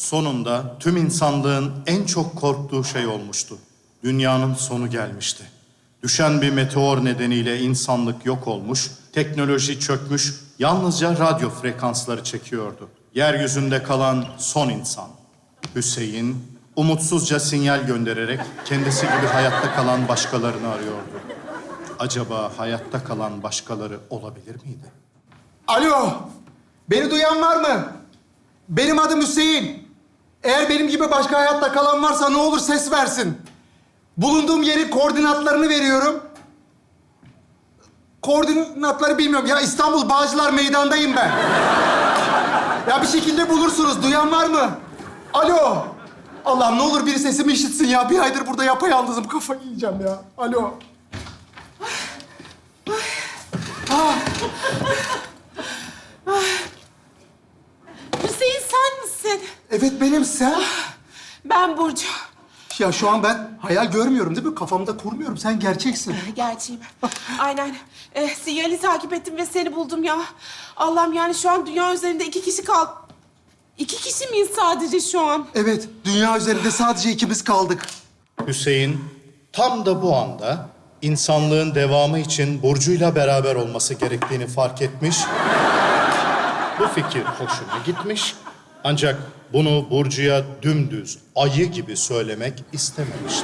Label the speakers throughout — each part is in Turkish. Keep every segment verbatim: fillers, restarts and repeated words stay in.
Speaker 1: Sonunda tüm insanlığın en çok korktuğu şey olmuştu. Dünyanın sonu gelmişti. Düşen bir meteor nedeniyle insanlık yok olmuş, teknoloji çökmüş, yalnızca radyo frekansları çekiyordu. Yeryüzünde kalan son insan. Hüseyin, umutsuzca sinyal göndererek kendisi gibi hayatta kalan başkalarını arıyordu. Acaba hayatta kalan başkaları olabilir miydi?
Speaker 2: Alo, beni duyan var mı? Benim adım Hüseyin. Eğer benim gibi başka hayatta kalan varsa ne olur ses versin. Bulunduğum yerin koordinatlarını veriyorum. Koordinatları bilmiyorum. Ya İstanbul Bağcılar Meydan'dayım ben. Ya bir şekilde bulursunuz. Duyan var mı? Alo. Allah'ım ne olur biri sesimi işitsin ya. Bir aydır burada yapayalnızım. Kafayı yiyeceğim ya. Alo. Ah.
Speaker 3: Hüseyin sen misin?
Speaker 2: Evet benim sen.
Speaker 3: Ben Burcu.
Speaker 2: Ya şu an ben hayal görmüyorum değil mi? Kafamda kurmuyorum. Sen gerçeksin.
Speaker 3: Gerçeğim. Aynen. Ee, sinyali takip ettim ve seni buldum ya. Allah'ım yani şu an dünya üzerinde iki kişi kal... İki kişi miyiz sadece şu an?
Speaker 2: Evet, dünya üzerinde sadece ikimiz kaldık.
Speaker 1: Hüseyin tam da bu anda insanlığın devamı için Burcu'yla beraber olması gerektiğini fark etmiş. Bu fikir hoşuna gitmiş. Ancak bunu Burcu'ya dümdüz ayı gibi söylemek istememişti.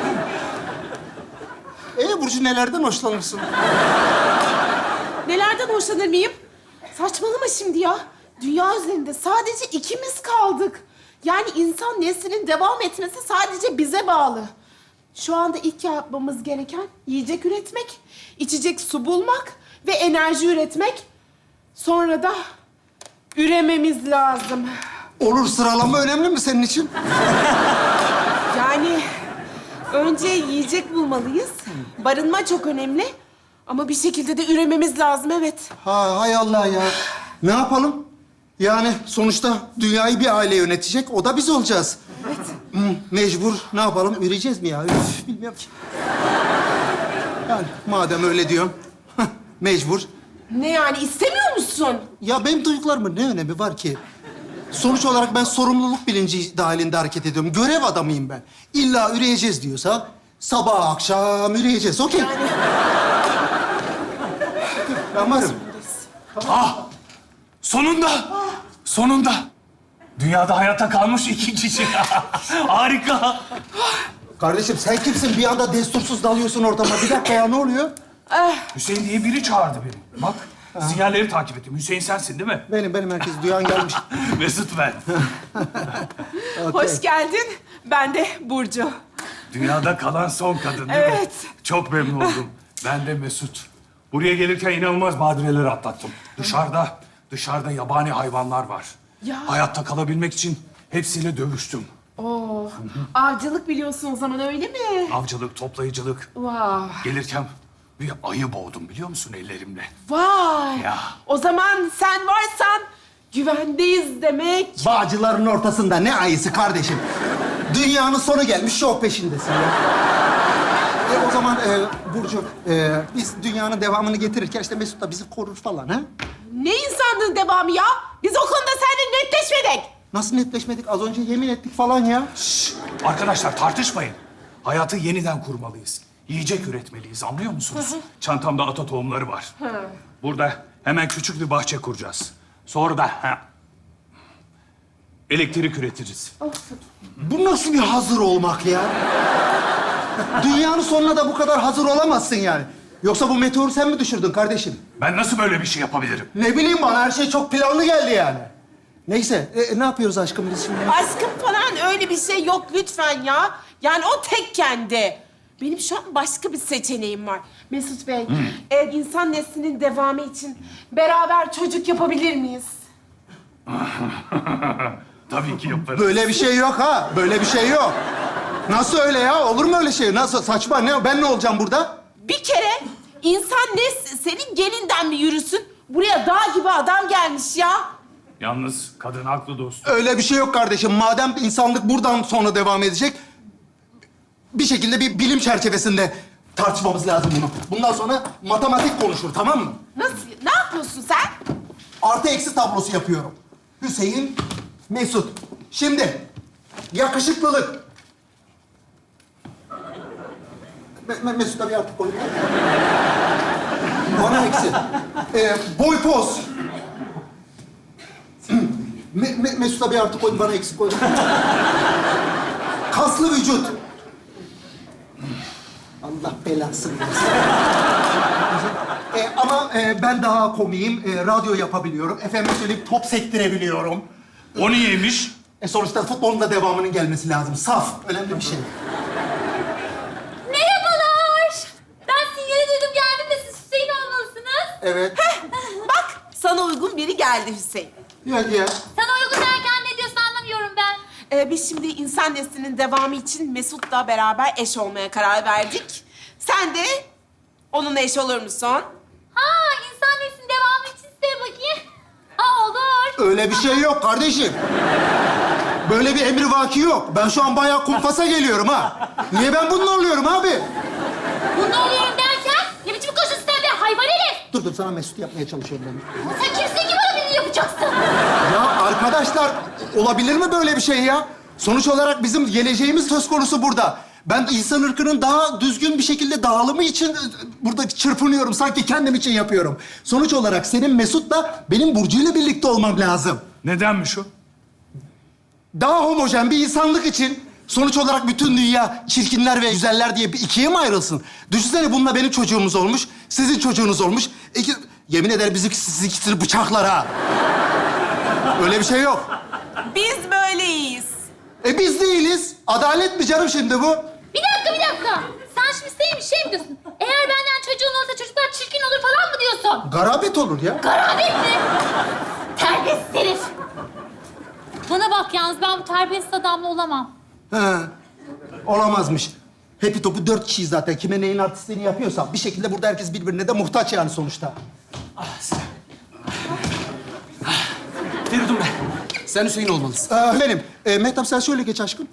Speaker 2: Ee Burcu nelerden hoşlanırsın?
Speaker 3: Nelerden hoşlanır mıyım? Saçmalama şimdi ya. Dünya üzerinde sadece ikimiz kaldık. Yani insan neslinin devam etmesi sadece bize bağlı. Şu anda ilk yapmamız gereken yiyecek üretmek, içecek su bulmak ve enerji üretmek. Sonra da ürememiz lazım.
Speaker 2: Olur, sıralama önemli mi senin için?
Speaker 3: Yani önce yiyecek bulmalıyız. Barınma çok önemli. Ama bir şekilde de ürememiz lazım, evet.
Speaker 2: Ha, hay Allah ya. Ne yapalım? Yani sonuçta dünyayı bir aile yönetecek, o da biz olacağız.
Speaker 3: Evet.
Speaker 2: Hı, mecbur, ne yapalım? Üreyeceğiz mi ya? Üf, bilmiyorum ki. Yani madem öyle diyorum, mecbur.
Speaker 3: Ne yani, istemiyor musun?
Speaker 2: Ya benim duyduklarımın ne önemi var ki? Sonuç olarak ben sorumluluk bilinci dahilinde hareket ediyorum. Görev adamıyım ben. İlla üreyeceğiz diyorsa sabah akşam üreyeceğiz. Okey.
Speaker 3: Yani
Speaker 2: Ben varım.
Speaker 4: Ah! Sonunda! Sonunda! Dünyada hayatta kalmış iki kişi. Harika!
Speaker 2: Kardeşim sen kimsin? Bir anda destursuz dalıyorsun ortama. Bir dakika ya, ne oluyor?
Speaker 4: Hüseyin diye biri çağırdı beni. Bak, sinyalleri takip ettim. Hüseyin sensin değil mi?
Speaker 2: Benim, benim herkes duyan gelmiş.
Speaker 4: Mesut ben.
Speaker 2: Okey.
Speaker 3: hoş geldin. Ben de Burcu.
Speaker 4: Dünyada kalan son kadın değil mi?
Speaker 3: Evet.
Speaker 4: Çok memnun oldum. Ben de Mesut. Buraya gelirken inanılmaz badireler atlattım. Dışarıda, dışarıda yabani hayvanlar var.
Speaker 3: Ya.
Speaker 4: Hayatta kalabilmek için hepsiyle dövüştüm.
Speaker 3: Oo, avcılık biliyorsun o zaman, öyle mi?
Speaker 4: Avcılık, toplayıcılık.
Speaker 3: Vay.
Speaker 4: Gelirken bir ayı boğdum biliyor musun ellerimle?
Speaker 3: Vay.
Speaker 4: Ya.
Speaker 3: O zaman sen varsan güvendeyiz demek.
Speaker 2: Bağcıların ortasında ne ayısı kardeşim? Dünyanın sonu gelmiş, şok peşindesin ya. E o zaman e, Burcu, e, biz dünyanın devamını getirirken işte Mesut da bizi korur falan ha?
Speaker 3: Ne insanlığın devamı ya? Biz o konuda seninle netleşmedik.
Speaker 2: Nasıl netleşmedik? Az önce yemin ettik falan ya.
Speaker 4: Şşş! Arkadaşlar tartışmayın. Hayatı yeniden kurmalıyız. Yiyecek üretmeliyiz, anlıyor musunuz? Çantamda ata tohumları var. Burada hemen küçük bir bahçe kuracağız. Sonra da ha, elektrik üretiriz.
Speaker 2: Bu nasıl bir hazır olmak ya? Dünyanın sonuna da bu kadar hazır olamazsın yani. Yoksa bu meteoru sen mi düşürdün kardeşim?
Speaker 4: Ben nasıl böyle bir şey yapabilirim?
Speaker 2: Ne bileyim, bana her şey çok planlı geldi yani. Neyse, e, ne yapıyoruz aşkım biz şimdi?
Speaker 3: Aşkım falan öyle bir şey yok lütfen ya. Yani o tek kendi. Benim şu an başka bir seçeneğim var. Mesut Bey, eğer insan neslinin devamı için beraber çocuk yapabilir miyiz?
Speaker 4: Tabii ki yaparız.
Speaker 2: Böyle bir şey yok ha, böyle bir şey yok. Nasıl öyle ya? Olur mu öyle şey? Nasıl? Saçma. Ne? Ben ne olacağım burada?
Speaker 3: Bir kere insan nesli senin gelinden mi yürüsün? Buraya dağ gibi adam gelmiş ya.
Speaker 4: Yalnız kadın haklı dostum.
Speaker 2: Öyle bir şey yok kardeşim. Madem insanlık buradan sonra devam edecek, bir şekilde bir bilim çerçevesinde tartışmamız lazım bunu. Bundan sonra matematik konuşur, tamam mı?
Speaker 3: Nasıl? Ne yapıyorsun sen?
Speaker 2: Artı eksi tablosu yapıyorum. Hüseyin, Mesut. Şimdi yakışıklılık. Me Me Mesut'a bir artık koyayım. Bana eksi. Ee, boy poz. Me Me Mesut'a bir artı koyun, bana eksik koyun. Kaslı vücut. Allah belasını versin. Ee, ama e, ben daha komiyim. E, radyo yapabiliyorum. Efendim söyleyip top sektirebiliyorum.
Speaker 4: O niyeymiş?
Speaker 2: E sonuçta futbolun da devamının gelmesi lazım. Saf, önemli bir şey.
Speaker 5: Merhabalar. Ben sinyali duydum geldim de siz Hüseyin olmalısınız.
Speaker 2: Evet.
Speaker 3: Bak, sana uygun biri geldi Hüseyin.
Speaker 2: Ya ya.
Speaker 5: Sana uygun derken ne diyorsun anlamıyorum ben.
Speaker 3: Ee, biz şimdi insan neslinin devamı için Mesut'la beraber eş olmaya karar verdik. Sen de onunla eş olur musun?
Speaker 5: Ha insan neslinin devamı için size bakayım. Ha olur.
Speaker 2: Öyle bir şey yok kardeşim. Böyle bir emri vaki yok. Ben şu an bayağı kumpasa geliyorum ha. Niye ben bununla oluyorum abi?
Speaker 5: Bunu oluyorum derken ne biçim koşuyorsun sen be hayvan herif.
Speaker 2: Dur dur, sana Mesut yapmaya çalışıyorum ben.
Speaker 5: Ama sen kimsin ki bana beni yapacaksın?
Speaker 2: Ya arkadaşlar, olabilir mi böyle bir şey ya? Sonuç olarak bizim geleceğimiz söz konusu burada. Ben insan ırkının daha düzgün bir şekilde dağılımı için burada çırpınıyorum. Sanki kendim için yapıyorum. Sonuç olarak senin Mesut'la benim Burcu'yla birlikte olmam lazım.
Speaker 4: Nedenmiş o?
Speaker 2: Daha homojen bir insanlık için sonuç olarak bütün dünya çirkinler ve güzeller diye bir ikiye mi ayrılsın? Düşünsene, bununla benim çocuğumuz olmuş, sizin çocuğunuz olmuş. İki, yemin ederim bizi siz ikisini bıçaklar ha. Öyle bir şey yok.
Speaker 3: Biz böyleyiz.
Speaker 2: E biz değiliz. Adalet mi canım şimdi bu?
Speaker 5: Bir dakika bir dakika. Sen şimdi Hüseyin bir şey mi diyorsun? Eğer benden çocuğun olursa çocuklar çirkin olur falan mı diyorsun?
Speaker 2: Garabet olur ya.
Speaker 5: Garabet mi? Terbiyesiz herif. Bana bak yalnız ben bu terbiyesiz adamla olamam.
Speaker 2: He. Olamazmış. Happy Top'u dört kişiyiz zaten. Kime neyin artistliğini yapıyorsa bir şekilde burada herkes birbirine de muhtaç yani sonuçta.
Speaker 6: Feridun ben. Sen Hüseyin olmalısın.
Speaker 2: Ee, benim. Ee, Mehtap sen şöyle geç aşkım.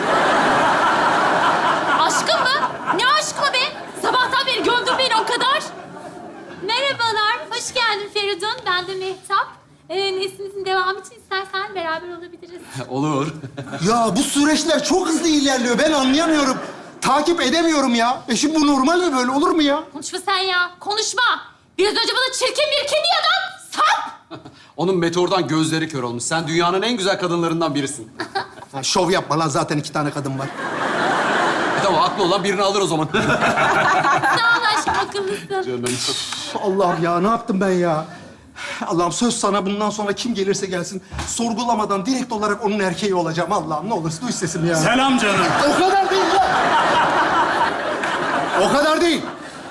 Speaker 5: Aşkım mı? Ne aşkı be? Sabahtan beri gömdün beni o kadar. Merhabalar, hoş geldin Feridun. Ben de Mehtap. Ee, neslimizin devamı için istersen beraber olabiliriz.
Speaker 6: Olur.
Speaker 2: Ya bu süreçler çok hızlı ilerliyor. Ben anlayamıyorum. Takip edemiyorum ya. E şimdi bu normal mi, böyle olur mu ya?
Speaker 5: Konuşma sen ya, konuşma. Biraz önce bana çirkin bir kedi adam, sap!
Speaker 6: Onun meteordan gözleri kör olmuş. Sen dünyanın en güzel kadınlarından birisin.
Speaker 2: Ha, şov yapma lan, zaten iki tane kadın var.
Speaker 6: E tamam, haklı olan birini alır o zaman.
Speaker 5: Sağ ol aşkım, akıllısın.
Speaker 6: Canım.
Speaker 2: Allah'ım ya, ne yaptım ben ya? Allah'ım söz sana, bundan sonra kim gelirse gelsin sorgulamadan direkt olarak onun erkeği olacağım. Allah'ım ne olursa duy sesimi ya.
Speaker 4: Selam canım.
Speaker 2: O kadar değil lan. O kadar değil.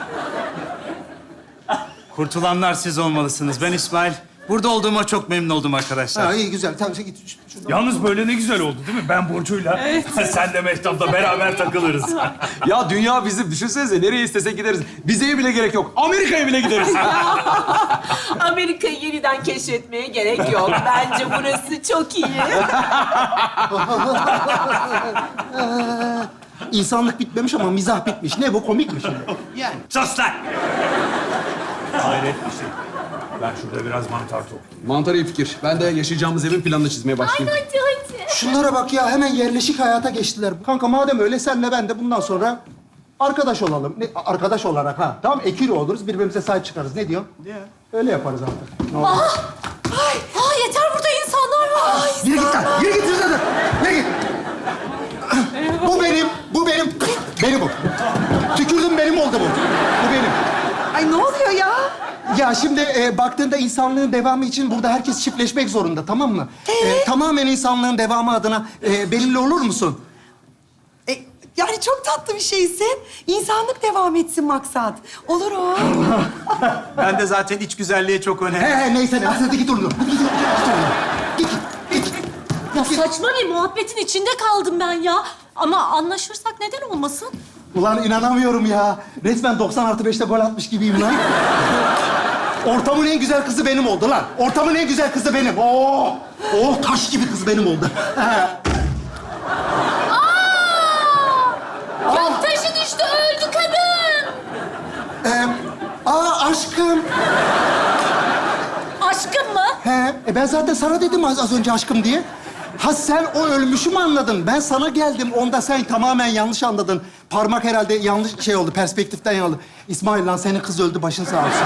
Speaker 7: Kurtulanlar siz olmalısınız. Ben İsmail. Burada olduğuma çok memnun oldum arkadaşlar.
Speaker 2: Ha, iyi güzel. Tamam sen git. Ş- şuradan.
Speaker 4: Yalnız böyle ne güzel oldu değil mi? Ben Burcu'yla, sen de Mehtap'la beraber takılırız.
Speaker 6: Ya dünya bizim. Düşünsenize, nereye istesek gideriz. Vizeye bile gerek yok. Amerika'ya bile gideriz.
Speaker 3: Amerika'yı yeniden keşfetmeye gerek yok. Bence burası çok iyi.
Speaker 2: İnsanlık bitmemiş ama mizah bitmiş. Ne bu, komik mi şimdi?
Speaker 7: Yani.
Speaker 4: Sus lan! Hayret bir şey. Ben şurada biraz mantar toplayayım.
Speaker 6: Mantar iyi fikir. Ben de yaşayacağımız evin planını çizmeye başlayayım.
Speaker 5: Hadi hadi.
Speaker 2: Şunlara bak ya, hemen yerleşik hayata geçtiler. Kanka madem öyle, senle ben de bundan sonra arkadaş olalım. Ne, arkadaş olarak ha. Tamam, ekili oluruz, birbirimize sahip çıkarız. Ne diyorsun?
Speaker 7: Ya.
Speaker 2: Öyle yaparız artık. Ne olur.
Speaker 5: Aa yeter burada insanlar var.
Speaker 2: Yürü git lan, yürü git zaten. Yürü git. Bu benim, bu benim. Benim bu. Tükürdüm, benim oldu bu. Bu benim.
Speaker 3: Ay ne oluyor ya?
Speaker 2: Ya şimdi e, baktığında insanlığın devamı için burada herkes çiftleşmek zorunda, tamam mı? E, tamamen insanlığın devamı adına e, benimle olur musun?
Speaker 8: E, yani çok tatlı bir şeysin. İnsanlık devam etsin maksat. Olur o.
Speaker 7: Ben de zaten iç güzelliğe çok
Speaker 2: He
Speaker 7: önem.
Speaker 2: he neyse ne, hadi git oradan. Hadi git, git oradan. Git, git, git.
Speaker 5: Ya saçma bir muhabbetin içinde kaldım ben ya. Ama anlaşırsak neden olmasın?
Speaker 2: Ulan inanamıyorum ya. Resmen doksan artı beşte gol atmış gibiyim lan. Ortamın en güzel kızı benim oldu lan. Ortamın en güzel kızı benim. Oh, oh taş gibi kız benim oldu.
Speaker 5: Gök taşı düştü öldü kadın.
Speaker 2: Ee, aa aşkım.
Speaker 5: Aşkım mı?
Speaker 2: He, e ben zaten sana dedim az, az önce aşkım diye. Ha sen o ölmüşü mü anladın? Ben sana geldim. Onda sen tamamen yanlış anladın. Parmak herhalde yanlış şey oldu. Perspektiften yanıldı. İsmail lan senin kız öldü. Başın sağ olsun.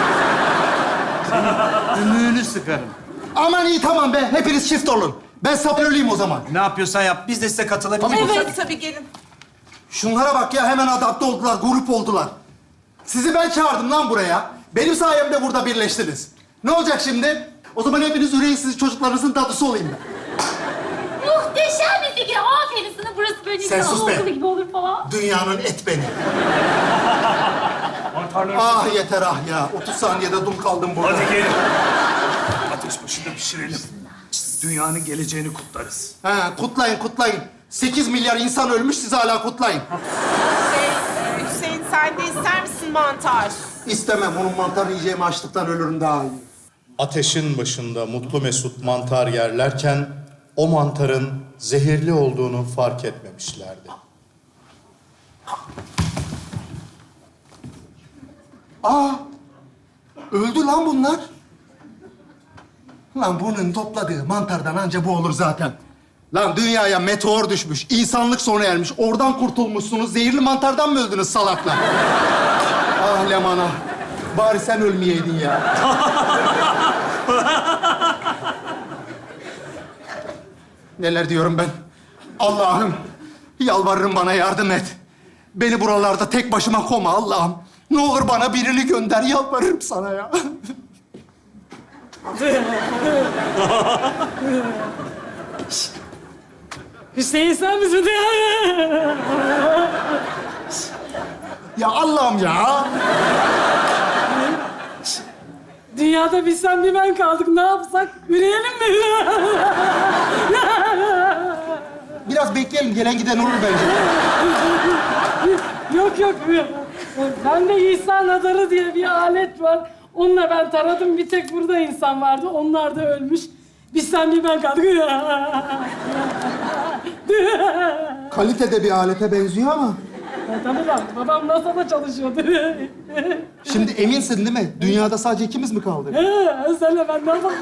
Speaker 7: Ümüğünü sıkarım.
Speaker 2: Aman iyi tamam be. Hepiniz çift olun. Ben sabır öleyim o zaman.
Speaker 7: Ne yapıyorsan yap. Biz de size katılabiliriz.
Speaker 3: Evet tabii gelin.
Speaker 2: Şunlara bak ya hemen adapte oldular. Grup oldular. Sizi ben çağırdım lan buraya. Benim sayemde burada birleştiniz. Ne olacak şimdi? O zaman hepiniz üreğsiz çocuklarınızın dadısı olayım ben.
Speaker 5: Muhteşem bir fikir. Aferin sana. Burası böyle
Speaker 2: Sen
Speaker 5: güzel
Speaker 2: sus be.
Speaker 5: anaokulu gibi olur falan.
Speaker 2: Dünyanın et beni.
Speaker 4: Mantarları...
Speaker 2: Ah yeter ah ya. otuz saniyede dum kaldım burada.
Speaker 4: Hadi gelin. Ateş başında pişirelim. Dünyanın geleceğini kutlarız.
Speaker 2: Ha, kutlayın, kutlayın. Sekiz milyar insan ölmüş, siz hala kutlayın.
Speaker 3: Şey, e, Hüseyin sen de ister misin mantar?
Speaker 2: İstemem, onun mantar yiyeceğimi açlıktan ölürüm daha iyi.
Speaker 1: Ateşin başında mutlu mesut mantar yerlerken o mantarın zehirli olduğunu fark etmemişlerdi.
Speaker 2: Aa, öldü lan bunlar. Lan bunun topladığı mantardan anca bu olur zaten. Lan dünyaya meteor düşmüş, insanlık sona ermiş. Oradan kurtulmuşsunuz, zehirli mantardan mı öldünüz salaklar? Ah Leman ah. Bari sen ölmeyeydin ya. Neler diyorum ben? Allah'ım, yalvarırım bana yardım et. Beni buralarda tek başıma koma Allah'ım. Ne olur bana birini gönder, yalvarırım sana ya.
Speaker 9: Hüseyin sen misin?
Speaker 2: Ya Allah'ım ya.
Speaker 9: Dünyada bir sen bir ben kaldık. Ne yapsak? Yürüyelim mi?
Speaker 2: Biraz bekleyelim, gelen giden olur bence.
Speaker 9: Yok yok. Bende İsa nadarı diye bir alet var. Onunla ben taradım. Bir tek burada insan vardı. Onlar da ölmüş. Biz sen bir ben kaldık.
Speaker 2: Kalitede bir alete benziyor ama.
Speaker 9: Tabii lan. Babam NASA'da çalışıyordu.
Speaker 2: Şimdi eminsin değil mi? Dünyada sadece ikimiz mi kaldık?
Speaker 9: Senle ben ne yapalım?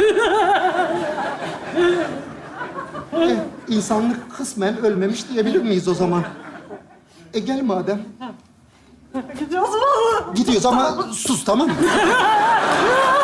Speaker 2: Eh, insanlık kısmen ölmemiş diyebilir miyiz o zaman? E gel madem.
Speaker 9: Gidiyoruz mu?
Speaker 2: Gidiyoruz ama sus tamam mı?